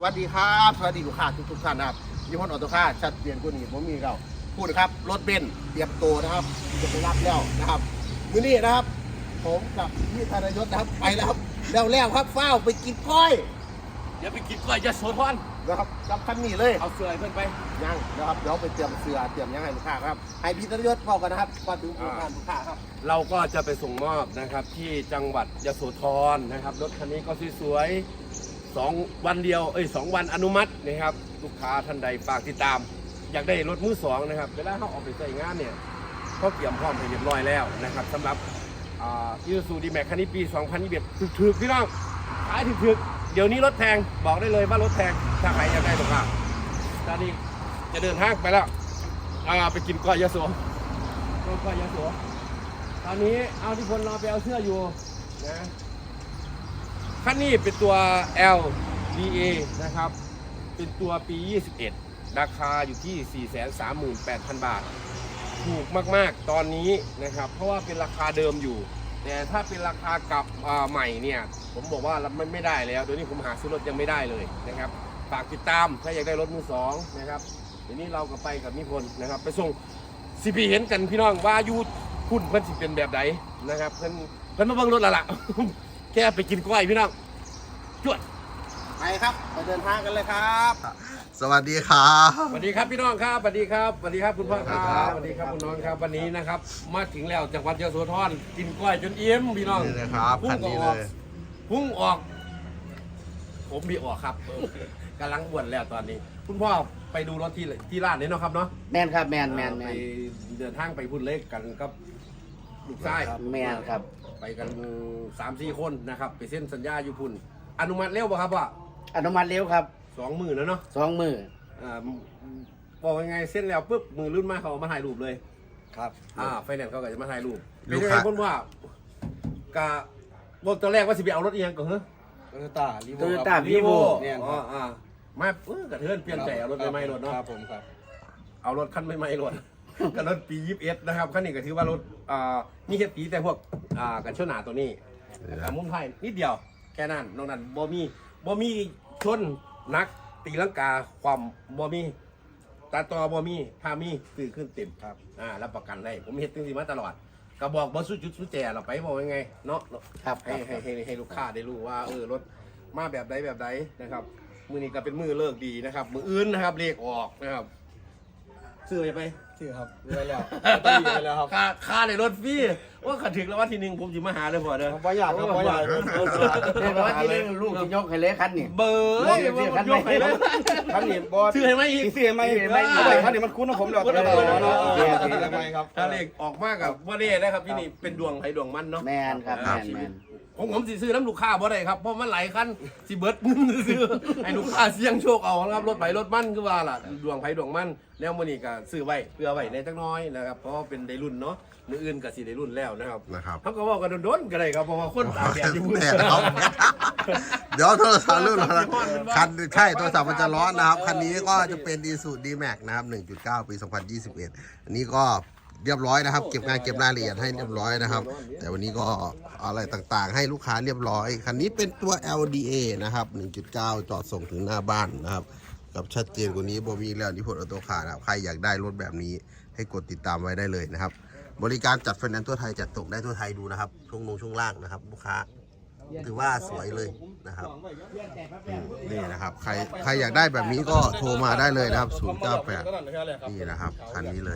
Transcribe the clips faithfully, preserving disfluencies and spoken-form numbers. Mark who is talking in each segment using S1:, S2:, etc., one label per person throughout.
S1: สวัสดีครับสวัสดีลูกค้าทุกทุกท่านนะครับยี่ห้อออโต้คาร์ชัดเปลี่ยนกูนี่ผมมีเราพูดนะครับรถเบนซ์เตรียมตัวนะครับจะไปรับแล้วนะครับมื้อนี้นะครับ ผมกับพี่ธนยศนะครับไปแล้วครับแล้วแล้วครับเฝ้าไปกินก้อย
S2: เดี๋ยวไปกินก้อยจะโซนพอน
S1: นะครับกับคันนี้เลย
S2: เอาเสื้อให้เพื่อนไป
S1: ยังนะครับเดี๋ยวไปเตรียมเสื้อเตรียมยังให้ลูกค้าครับให้พี่ธนยศเฝ้ากันนะครับก่อนถึงลูกค้าลูกค้าครับ
S2: เราก็จะไปส่งมอบนะครับที่จังหวัดยโสธรนะครับรถคันนี้ก็สวยๆสองวันเดียวเอ้ยสองวันอนุมัตินะครับลูกค้าท่านใดฝากติดตาม อยากได้รถมือสองนะครับเวลาเขาออกไปใช้งานเนี่ยเขาเตรียมพร้อมให้เรียบร้อยแล้วนะครับสำหรับยูซูดีแม็กคันนี้ปีสองพันยี่สิบเอ็ดถึกๆพี่น้องขายถึกๆเดี๋ยวนี้รถแพงบอกได้เลยว่ารถแพงถ้าใครอยากได้ลูกค้าตอนนี้จะเดินทางไปแล้วไปกินก้อยยโสก้อยยโสตอนนี้เอาที่คนรอไปเอาเสื้ออยู่นะคันนี้เป็นตัว แอล ดี เอ นะครับเป็นตัวปียี่สิบเอ็ดราคาอยู่ที่ สี่แสนสามหมื่นแปดพัน บาทถูกมากๆตอนนี้นะครับเพราะว่าเป็นราคาเดิมอยู่แต่ถ้าเป็นราคากับใหม่เนี่ยผมบอกว่ามันไม่ได้แล้วเดี๋ยวนี้ผมหาซื้อรถยังไม่ได้เลยนะครับฝากติดตามถ้าอยากได้รถมือสองนะครับเดี๋ยวนี้เราก็ไปกับนิพนธ์นะครับไปส่งซีพีเห็นกันพี่น้องว่ายูพุ่นเพิ่นสิเป็นแบบไหนนะครับเพิ่นเพิ่นมาเบิ่งรถและล่ะ แค่ไปกินกล้วยพี่น้องจวด
S1: ไปครับไปเดินทางกันเลยครับ
S3: สวัสดีครับ
S2: สวัสดีครับพี่น้องครับสวัสดีครับสวัสดีครับคุณพ่อครับสวัสดีครับคุณน้องครับวันนี้นะครับมาถึงแล้วจังหวัดยโสธรกินกล้วยจนเอี้ยมพี่น้อง
S3: นี่นะครับ
S2: พุ่
S3: คั
S2: ง
S3: น
S2: ก็
S3: นี้
S2: อ
S3: เล
S2: อก
S3: ย
S2: พุ่งออก ผมมีออกครับกำลังบวชแล้วตอนนี้ คุณพ่อไปดูรถที่ที่ร้านนี้เนาะครับเนาะ
S4: แมนครับแมนแมนแม
S2: ไป
S4: น
S2: เดินทางไปพุ่นเล็กกันกับลูกชาย
S4: แมนครับ
S2: ไปกันสามสี่คนนะครับไปเซ็นสัญญาอยู่พุ่นอนุมัติเร็วป่ะครับว่า
S4: อนุมัติเร็วครับ
S2: สองหมื่นแล้วเนาะ
S4: สองมือ
S2: อ่าบอกยังไงเส้นแล้วปุ๊บมือรุ่นมาเขามาถ่ายรูปเลย
S1: ครับ
S2: อ่าไฟแนนซ์เขาก็จะมาถ่ายรูป
S3: ลู
S2: เป็น
S3: ก
S2: ยังไง
S3: ค้า
S2: คนว่ากะบอกตอนแรกว่าสิไปเอารถเอียงก่อนเหรอ
S1: โตโยต้ารีโว
S4: โตโยต้าวีโว
S1: เนี่ย
S2: อ๋ออ่ามาเออกระเทือนเปลี่ยนใจเอารถใหม่ๆรถเนาะ
S1: ครับผมครับ
S2: เอารถคันใหม่ๆรถ กับรถปียี่สิบเอ็ดนะครับคันนี้ก็ถือว่ารถอ่ามีเฮ็ดปีแต่พวกอ่ากันชนหนาตัวนี้แต่มุมไทยนิดเดียวแค่นั้นนอกนั้นบ่มีบ่มีชนนักตีลังกาความบ่มีตาตอบ่มีพามีตื่นขึ้นเต็มครับอ่ารับประกันได้ผมเฮ็ดจังซี่มาตลอดก็บอกบ่สุดจุดสุดแจเราไปบอกยังไงเนาะ
S4: ครับ
S2: ให้ให้ให้ให้ลูกค้าได้รู้ว่าเออรถมาแบบใดแบบใดนะครับมือนี้ก็เป็นมือเลิกดีนะครับ มืออื่นนะครับเลขออกนะครับซื้อไปไป
S1: ชื่อครับไปแล้วต้องมีไปแล้วครับ
S2: ค่าค่าในรถฟรีว่าขัดถึงแล้ววันที่หนึ่งผมจะมาหาเลยพอเด้อ
S1: บ่อยากครับบ่อยาก
S4: เรียกว่าที่นึงลูกจะยกให้เลยคันนี่
S2: เบอร์
S4: บอกเลยสิคันไหน
S2: ยกให้เลย
S1: ท่านนี่บอส
S2: ซื้อให้ไหมอีก
S1: ซื้อให้ไหม
S4: ซื้อให้ไหม
S1: ท่านนี่มันคุ้นของผมแล้ว
S2: คุ้นของผม
S1: เนาะ
S4: โอเคโอเค
S1: ซื้อให้ไหมครับ
S2: ถ้าเลขออกมากกับว่านี่นะครับพี่นี่เป็นดวงไผดวงมันเนาะ
S4: แมนครับแมนแมน
S2: ผมผมสิซื้อน้ำลูกค้าบ่ได้ครับเพราะมันหลายคันสิเบิดเงินซื้อให้ลูกค้าเสี่ยงโชคเอานะครับรถไผรถมันคือว่าล่ะดวงไผดวงมันแล้วมื้อนี้ก็ซื้อไว้เพื่อไว้ในจักหน้อยนะครับเพราะว่าเป็นได้รุ่นเนาะมื้ออื่นก็สิได้รุ่นแล้วนะครับ
S3: นะครับ
S2: เขาก็เว้ากันโดนๆก็ได้ครับเพราะว่าคนตากแดดอยู่พุ่น
S3: แดดเขาเดี๋ยวโทรศัพท์รุ่นเรานะคันใช่โทรศัพท์มันจะร้อนนะครับ คันนี้ก็จะเป็น Isuzu D-Max นะครับ หนึ่งจุดเก้า ปี สองพันยี่สิบเอ็ด อันนี้ก็เรียบร้อยนะครับ เก็บงานเก็บรายละเอียดให้เรียบร้อยนะครับ แต่วันนี้ก็อะไรต่างๆ ให้ลูกค้าเรียบร้อย คันนี้เป็นตัว แอล ดี เอ นะครับ หนึ่งจุดเก้า จอดส่งถึงหน้าบ้านนะครับ กับชัดเจนกว่านี้บ่มีแล้วนิพนธ์ออโต้คาร์นะครับ ใครอยากได้รถแบบนี้ให้กดติดตามไว้ได้เลยนะครับ บริการจัดไฟแนนซ์ทั่วไทยจัดส่งได้ทั่วไทยดูนะครับ ช่วงลงช่วงล่างนะครับ ลูกค้าถือว่าสวยเลยนะครับอืมนี่นะครับ ใครใครอยากได้แบบนี้ก็โทรมาได้เลยนะครับ ศูนย์ เก้า แปด นี่นะครับคันนี้เลย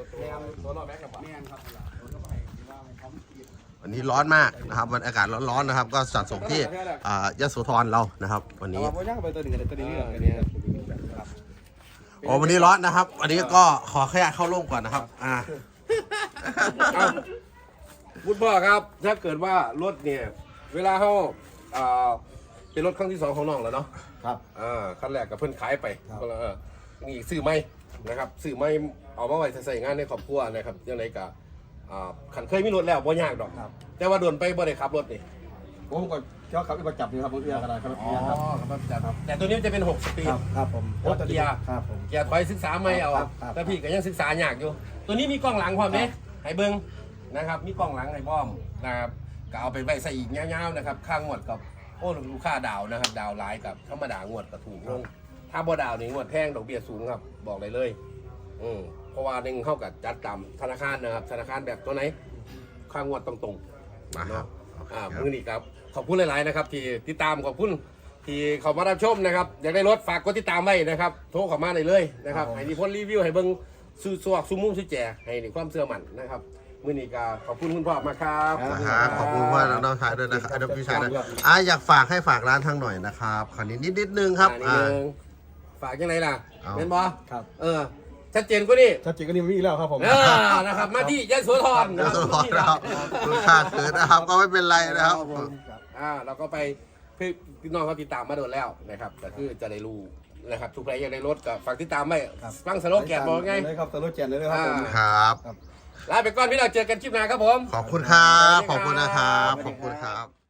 S3: วันนี้ร้อนมากนะครับวันอากาศร้อนๆนะครับ ก็จัดส่งที่อ่ายโสธรเรานะครับ วันนี้
S1: บ่อยากไปตัวนี้ตัวนี้อันนี้ครับ
S3: โอ้วันนี้ร้อนนะครับ วันนี้ก็ขอแค่เข้าร่มก่อนนะครับอ่า
S2: เอาพูดพ่อครับ ถ้าเกิดว่ารถเนี่ย เวลาเขาอ่าเป็นรถครั้งที่สองของน้องแล้วเนาะ
S1: ครับ
S2: อ่าคันแรกกับเพิ่นขายไปคนละเออนี่ซื้อไม่นะครับซื้อไม่เอามาไว้ใส่งานในครอบครัวนะครับยังไงกับอ่าขันเคยมีรถแล้วบ่ยากดอก
S1: ครับ
S2: แต่ว่าโดนไปบ่ได้ขับรถนี่
S1: ผมก็เจ้าขับไปประจับอยู่ครับผมเอื้อกันครับ
S2: อ๋อครับครับแต่ตัวนี้มันจะเป็นหกสปีด
S1: ครับครับผม
S2: รถเกียร์
S1: ครับผม
S2: เกียร์ถอยศึกษาไม่เอา
S1: ครับครับ
S2: แต่พี่ก็ยังศึกษายากอยู่ ตัวนี้มีกล้องหลังความเด้ให้เบิ้งนะครับ มีกล้องหลังให้บ้อมนะครับก็เอาไปไว้ใส่อีกยาวๆนะครับ ข้างหมดกับโอ้ลูกค้าดาวนะครับดาวไลน์กับธรรมดางวดกระถูกลงถ้าบ่ดาวนี่งวดแพงดอกเบี้ยสูงครับบอกเลยเลยอืมเพราะว่าหนึ่งเข้ากับจัดตามธนาคารนะครับธนาคารแบบตัวไหนค่างวดตรงๆ
S3: มาครับ
S2: อ่ามือนี้ครับขอบคุณหลายๆนะครับที่ติดตามขอบคุณที่เขามารับชมนะครับอยากได้รถฝากกดติดตามไว้นะครับโทรเข้ามาได้เลยนะครับให้นิพนธ์รีวิวให้เบิ้งสู้สวกสู้มุ้งสู้แจให้ในความเชื่อมั่นนะครับมือนี้ก็ขอบคุณคุณพ่อมากครับ
S3: นะครับขอบคุณว่าน้องชายด้วยนะครับน้องพี่ชายด้วยอ่ะอยากฝากให้ฝากร้านทางหน่อยนะครับคราวนี้นิดนิดนึงครับ
S2: อ่านิด
S3: อ่า
S2: นึงฝากยังไงล่ะ
S3: เอา
S2: เป็นบอ
S5: ครับ
S2: เออชัดเจนกว่านี้
S5: ชัดเจนก็นี่มีอีกแล้วครับผม
S2: เออนะครับมาที่ยะโสธร
S3: เดี๋ยวต้องรอนะครับลูกค้าเกิดนะครับก็ไม่เป็นไรนะครับ
S2: อ่าเราก็ไปพี่พี่น้องเขาติดตามมาโดนแล้วนะครับก็คือจะได้รู้นะครับทุกใครอยากได้รถก็ฝากติดตามไว้ฟังสโลแกนบอกไง
S5: เลยครับสโลแกนเลยนะครับผม
S3: ครับ
S2: ลาไปก่อนพี่เราเจอกันคลิปหน้าครับผม
S3: ขอบคุณครับ ขอบคุณนะครับ ขอบคุณครับ